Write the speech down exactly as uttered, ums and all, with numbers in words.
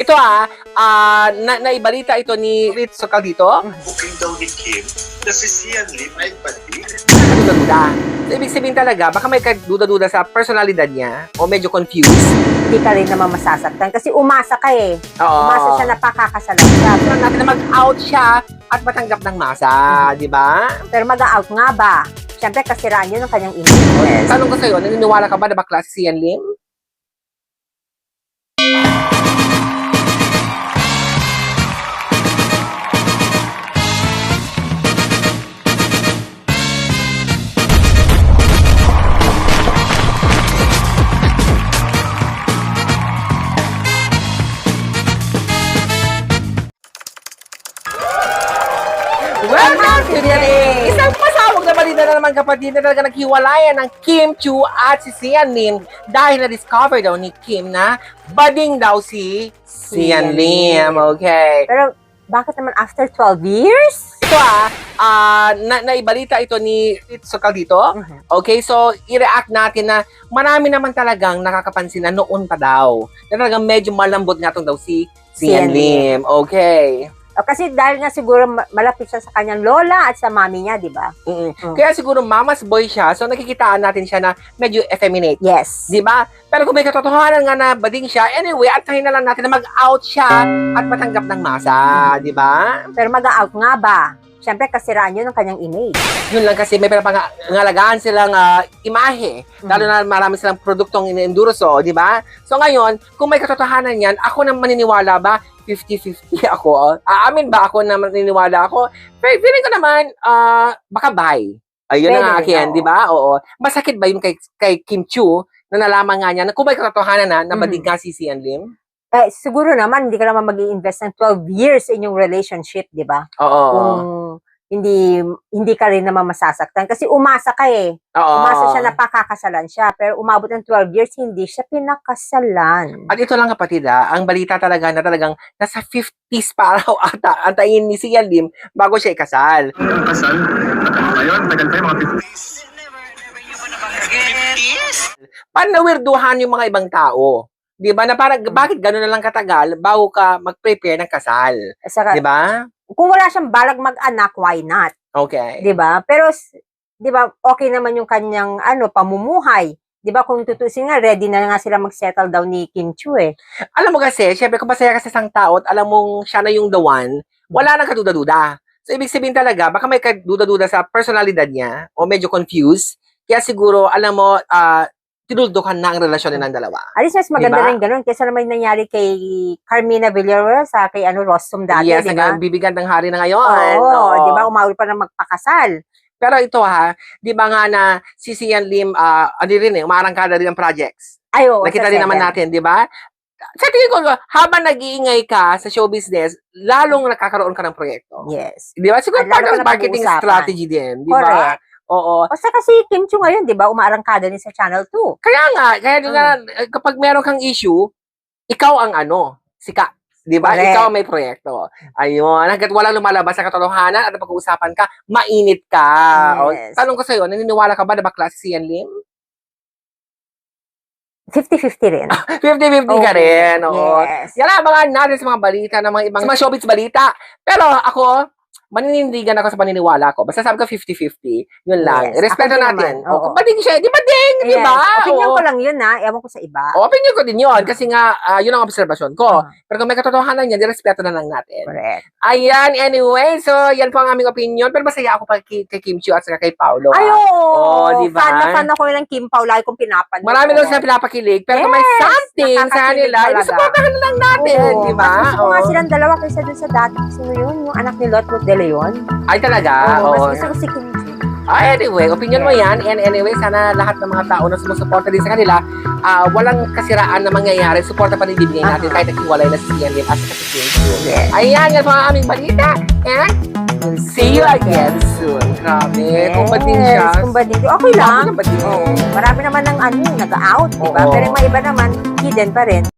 Ito ah, ah na naibalita ito ni Ritz Sokal dito. Booking daw ni Kim na si Sian Lim ay pati. Duda-duda. So, ibig sabihin talaga, baka may duda-duda sa personalidad niya o medyo confused. Hindi ka rin naman masasaktan kasi umasa ka eh. Oo. Umasa siya na pakakasalan siya. Gusto natin na mag-out siya at matanggap ng masa, di ba? Pero mag-out nga ba? Siyempre, kasiraan yun ng kanyang image. Tanong ko sa'yo, naniniwala ka ba na bakla si Sian Lim? Welcome to the day! Isang pasawag na balita na naman kapatid na talaga naghiwalayan ng Kim Chiu at si Sian Lim dahil na-discover daw ni Kim na bading daw si Sian Lim. Okay. Pero bakit naman after twelve years? Ito ah, ah na naibalita ito ni Ritz Sokal dito. Okay, so i-react natin na marami naman talagang nakakapansin na noon pa daw. Na talagang medyo malambot nga itong daw si Sian Sian Lim. Okay. O, kasi dahil nga siguro ma- malapit siya sa kanyang lola at sa mami niya, di ba? Mm-mm. Mm. Kaya siguro mama's boy siya, so nakikitaan natin siya na medyo effeminate. Yes. Di ba? Pero kung may katotohanan nga na bading siya, anyway, at tahin na lang natin na mag-out siya at matanggap ng masa. Di ba? Pero mag-out nga ba? Siyempre, kasiraan yun ng kanyang image. Yun lang kasi may pinapangalagaan silang uh, imahe. Lalo na marami silang produktong in-endurso, di ba? So ngayon, kung may katotohanan yan, ako na maniniwala ba? fifty fifty ako. Aamin ba ako na maniniwala ako? Pero feeling ko naman, uh, baka bye. Ayun Pwede, na akin, oo. di ba? Oo. Masakit ba yun kay, kay Kim Chiu na nalaman nga niya na kung may katotohanan na, na Mm. badig nga si Sian Lim? Eh, siguro naman, hindi ka naman mag-i-invest ng twelve years in yung relationship, di ba? Oo. Kung hindi hindi ka rin naman masasaktan. Kasi umasa ka eh. Oo. Umasa siya na pakakasalan siya. Pero umabot ng twelve years, hindi siya pinakasalan. At ito lang kapatid ah, ang balita talaga na talagang nasa fifties pa raw ata antayin ni Sian Lim bago siya ikasal. Ang kasal, ngayon, tagal pa yung mga fifties. Paano nawirduhan yung mga ibang tao? Di ba? Na parang, bakit gano'n na lang katagal bago ka mag-prepare ng kasal? Saka, Di ba? kung wala siyang balag mag-anak, why not? Okay. 'Di ba? Pero s- 'di ba, okay naman yung kanyang ano, pamumuhay. 'Di ba? Kung tutusin nga, ready na nga sila mag-settle down ni Kim Chiu eh. Alam mo kasi, syempre kung masaya ka sa isang tao at alam mong siya na yung the one, wala nang kaduda-duda. So, ibig sabihin talaga, baka may kaduda-duda sa personalidad niya o medyo confused. Kaya siguro, alam mo, ah, tinuldukan na ang relasyon nilang dalawa. Alis mas maganda Diba? rin ganun kaysa naman nangyari kay Carmina Villarreal sa kay ano Rostom dati, Yes, 'di ba? ang bibigyan ng hari na ngayon. Oo, Oo. 'di ba? Umawil pa na magpakasal. Pero ito ha, di ba nga na si Sian Lim, ah, ano rin eh, umarangkada rin ng projects. Ay, oo, Nakita sa rin naman seven. natin, di ba? Sa tingin ko, habang nag-iingay ka sa show business, lalong nakakaroon ka ng proyekto. Yes. Di ba? Siguro At part lalo ng ka na marketing pag-uusapan. strategy din, di ba? Correct. Oo. O sa kasi Kim Chiu ngayon, 'di ba? Umaarangkada din sa Channel two. Kaya nga, kaya doon na, Mm. eh, kapag meron kang issue, ikaw ang ano, sika. Di ba? Correct. Ikaw ang may proyekto. Ayun. Hanggat walang lumalabas sa katotohanan at pag-uusapan ka, mainit ka. O, Yes. tanong ko sa'yo, naniniwala ka ba na bakla si Sian Lim? fifty fifty rin. fifty fifty ka Oo. rin. Oo. Yes. Yan ang abangan natin sa mga balita ng mga ibang sa mga showbiz balita. Pero ako, maninindigan ako sa paniniwala ko. Basta sabi ko fifty fifty. Yun lang. Yes. Respeto Ako din natin. naman. Oo. O, bading siya. Di ba ding? Di Yes. ba? Opinion Oo. ko lang yun ha. Ewan ko sa iba. O, opinion ko din yun. Kasi nga, ah, yun ang observasyon ko. Ah. Pero kung may katotohanan yan, respeto na lang natin. Correct. Ayan, anyway. So, yan po ang aming opinion. Pero masaya ako pa kay, kay Kim Chiu at saka kay Paolo. Ay, ah. oo. Oo, di ba? Fan na fan ako ng Kim Pao. Lagi kong pinapanood. Marami lang sila pinapakilig. Pero kung may Yes, something sa nakakakilig kanila, talaga. supportahan na lang natin. Oo. Di ba? Mas gusto ko nga Oo. silang dalawa kaysa dun sa dati. Sino yun? Yung anak ni Lot Lot de Leon. Ay, talaga? Oo, mas Oo. gusto ko si Kim Chiu. Ah, anyway, opinion mo yan. And anyway, sana lahat ng mga tao na sumusuporta din sa kanila, ah, walang kasiraan na mangyayari. Suporta pa rin bibigay natin Ah. kahit naghiwalay na si Sian Lim at si Kim Chiu. Yes. Ayan, yan po ang aming balita. And we'll see you again soon. Grabe, kung bading siya. Yes, kung bading. Okay lang. Kung bading. Oo. Marami naman ng ano, nag-out, di ba? Oo. Pero yung mga iba naman, hidden pa rin.